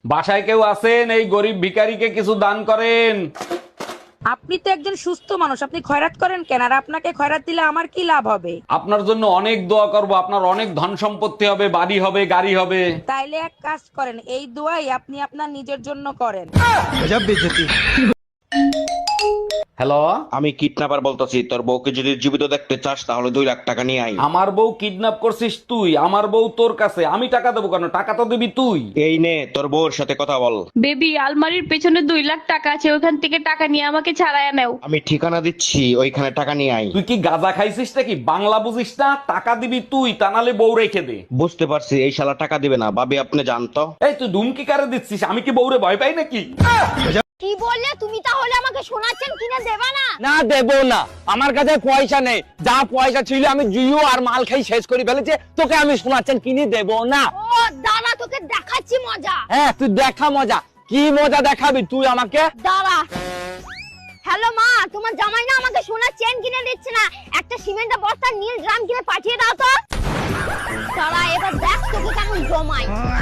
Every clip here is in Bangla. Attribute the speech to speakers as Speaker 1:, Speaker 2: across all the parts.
Speaker 1: বাসায় কেউ আছেন? এই গরিব ভিখারিকে কিছু দান করেন।
Speaker 2: আপনি তো একজন সুস্থ মানুষ, আপনি খয়রাত করেন কেন? আর আপনাকে খয়রাত দিলে আমার কি লাভ হবে?
Speaker 1: আপনার জন্য অনেক দোয়া করব, আপনার অনেক ধন সম্পত্তি হবে, বাড়ি হবে, গাড়ি হবে।
Speaker 2: তাইলে এক কাজ করেন, এই দোয়াই আপনি আপনার নিজের জন্য করেন।
Speaker 1: হ্যালো,
Speaker 3: আমি কিডন্যাপার বলতেছি, তোর বউকে যদি জীবিত দেখতে চাস তাহলে 2 লাখ টাকা নিয়ে আয়।
Speaker 1: আমার বউ কিডন্যাপ করছিস তুই? আমার বউ তোর কাছে, আমি টাকা দেবো কেন? টাকা তো দিবি তুই।
Speaker 3: এই নে তোর বউর সাথে কথা বল।
Speaker 4: বেবি, আলমারির পেছনে 2 লাখ টাকা আছে, ওখান থেকে টাকা নিয়ে আমাকে ছাড়াইয়া নাও।
Speaker 3: আমি ঠিকানা দিচ্ছি, ওইখানে টাকা নিয়ে আয়।
Speaker 1: তুই কি গাঁজা খাইছিস নাকি? বাংলা বুঝিস না? টাকা দিবি তুই, তা নাহলে বউ রেখে দে।
Speaker 3: বুঝতে পারছি, এই শালা টাকা দিবে না। ভাবি আপনি জানতো।
Speaker 1: এই তুই ধুমকি কারে দিচ্ছিস? আমি কি বউরে ভয় পাই নাকি?
Speaker 5: কি বললে তুমি? তাহলে আমাকে শোনাচ্ছেন কিনে দেবা না?
Speaker 6: না দেবো না, আমার কাছে পয়সা নেই। যা পয়সা ছিল আমি জুয়ো আর মাল খাই শেষ করে ফেলেছে। তোকে আমি শোনাচ্ছেন কিনে দেবো না।
Speaker 5: ও দাঁড়া, তোকে দেখাচ্ছি মজা।
Speaker 6: হ্যাঁ তুই দেখা মজা। কি মজা দেখাবি তুই আমাকে?
Speaker 5: দাঁড়া। হ্যালো মা, তোমার জামাই না আমাকে সোনার চেন কিনে দিচ্ছে না, একটা সিমেন্টের বস্তা নীল ড্রাম কিনে পাঠিয়ে দাও তো। দাঁড়া, এবার দেখ তোকে কেমন জমাই।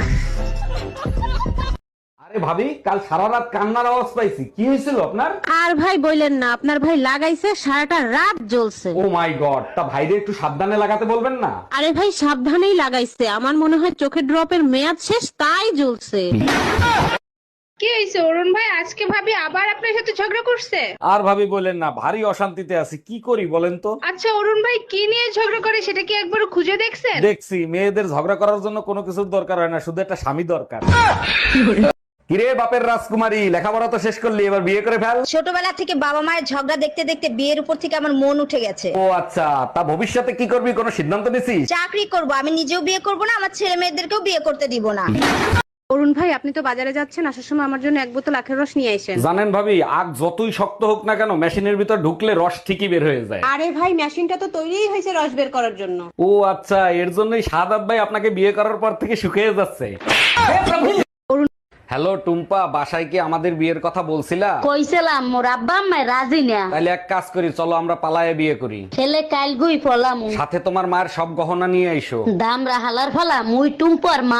Speaker 1: আরে ভাবি, কাল সারা রাত কান্নার আওয়াজ পাইছি, কি হয়েছিল আপনার?
Speaker 7: আর ভাই বললেন না, আপনার ভাই লাগাইছে সারাটা রাত জ্বলছে।
Speaker 1: ও মাই গড, তা ভাইরে একটু সাবধানে লাগাতে বলবেন না?
Speaker 7: আরে ভাই সাবধানেই লাগাইছে, আমার মনে হয় চোখের ড্রপের মেয়াদ শেষ তাই জ্বলছে।
Speaker 4: কি হয়েছে অরুণ ভাই? আজকে ভাবি আবার আপনার সাথে ঝগড়া করছে?
Speaker 1: আর ভাবি বলেন না, ভারী অশান্তিতে আছি, কি করি বলেন তো?
Speaker 4: আচ্ছা অরুণ ভাই, কি নিয়ে ঝগড়া করে সেটা কি একবার খুঁজে দেখছেন?
Speaker 1: দেখছি, মেয়েদের ঝগড়া করার জন্য কোনো কিছুর দরকার হয় না, শুধু একটা স্বামী দরকার। কিরে বাপের রাজকুমারী, লেখাপড়া তো শেষ করলি, এবার বিয়ে করে ফেল।
Speaker 8: ছোটবেলা থেকে বাবা মায়ের ঝগড়া দেখতে দেখতে বিয়ের উপর থেকে আমার মন উঠে গেছে।
Speaker 1: ও আচ্ছা, তা ভবিষ্যতে কি করবি, কোনো সিদ্ধান্ত নিছিস?
Speaker 8: চাকরি করব, আমি নিজেও বিয়ে করব না, আমার ছেলে মেয়েদেরকেও বিয়ে করতে দিব না।
Speaker 7: অরুণ ভাই, আপনি তো বাজারে যাচ্ছেন, আসার সময় আমার জন্য 1 বোতল আখের রস নিয়ে আসেন।
Speaker 1: জানেন ভাবি, আগ যতই শক্ত হোক না কেন, মেশিনের ভিতর ঢুকলে রস ঠিকই বের হয়ে যায়।
Speaker 7: আরে ভাই, মেশিনটা তো তৈরিই হয়েছে রস বের করার জন্য।
Speaker 1: ও আচ্ছা, এর জন্যই সাদাত ভাই আপনাকে বিয়ে করার পর থেকে শুকিয়ে যাচ্ছে। হ্যালো টুম্পা, বাসায় কি আমাদের বিয়ের কথা বলছিলা?
Speaker 9: কইছিলাম মোর আব্বা আম্মা রাজি না।
Speaker 1: তাহলে এক কাজ করি, চলো আমরা পালায়ে বিয়ে করি।
Speaker 9: ছেলে কাল গুই ফলাম,
Speaker 1: সাথে তোমার মায়ের সব গহনা নিয়ে আইসো।
Speaker 9: দাম রাহালার ফলা মুই টুম্পর মা।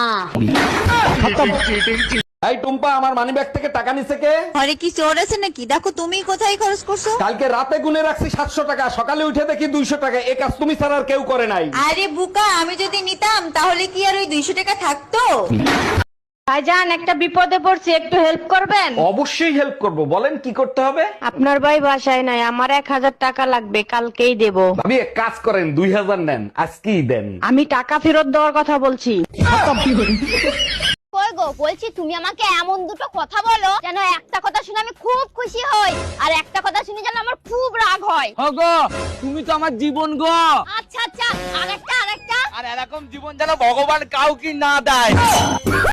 Speaker 1: এই টুম্পা, আমার মানিব্যাগ থেকে টাকা নিছে কে?
Speaker 8: আরে কি চোর আছে নাকি? দেখো তুমি কোথায় খরচ করছো।
Speaker 1: কালকে রাতে গুনে রাখছি 700 টাকা, সকালে উঠে দেখি 200 টাকা। এই কাজ তুমি ছাড়া আর কেউ করে নাই।
Speaker 8: আরে বুকা, আমি যদি নিতাম তাহলে কি আর ওই 200 টাকা থাকতো?
Speaker 2: ভাইজান, একটা বিপদে পড়ছি, একটু হেল্প করবেন?
Speaker 1: অবশ্যই হেল্প করব, বলেন কি করতে হবে?
Speaker 2: আপনার ভাই বাসায় নাই, আমার 1000 টাকা লাগবে, কালকেই দেব।
Speaker 1: ভাবি এক কাজ করেন, 2000 নেন, আজকেই দেন।
Speaker 2: আমি টাকা ফেরত দেওয়ার কথা বলছি।
Speaker 5: কই গো, বলছি তুমি আমাকে এমন দুটো কথা বলো যেন একটা কথা শুনে আমি খুব খুশি হই, আর একটা কথা শুনে যেন আমার খুব রাগ হয়।
Speaker 6: গো তুমি তো আমার জীবন গো।
Speaker 5: আচ্ছা আচ্ছা, আরেকটা।
Speaker 6: আর এরকম জীবন যেন ভগবান কাউকে না দেয়।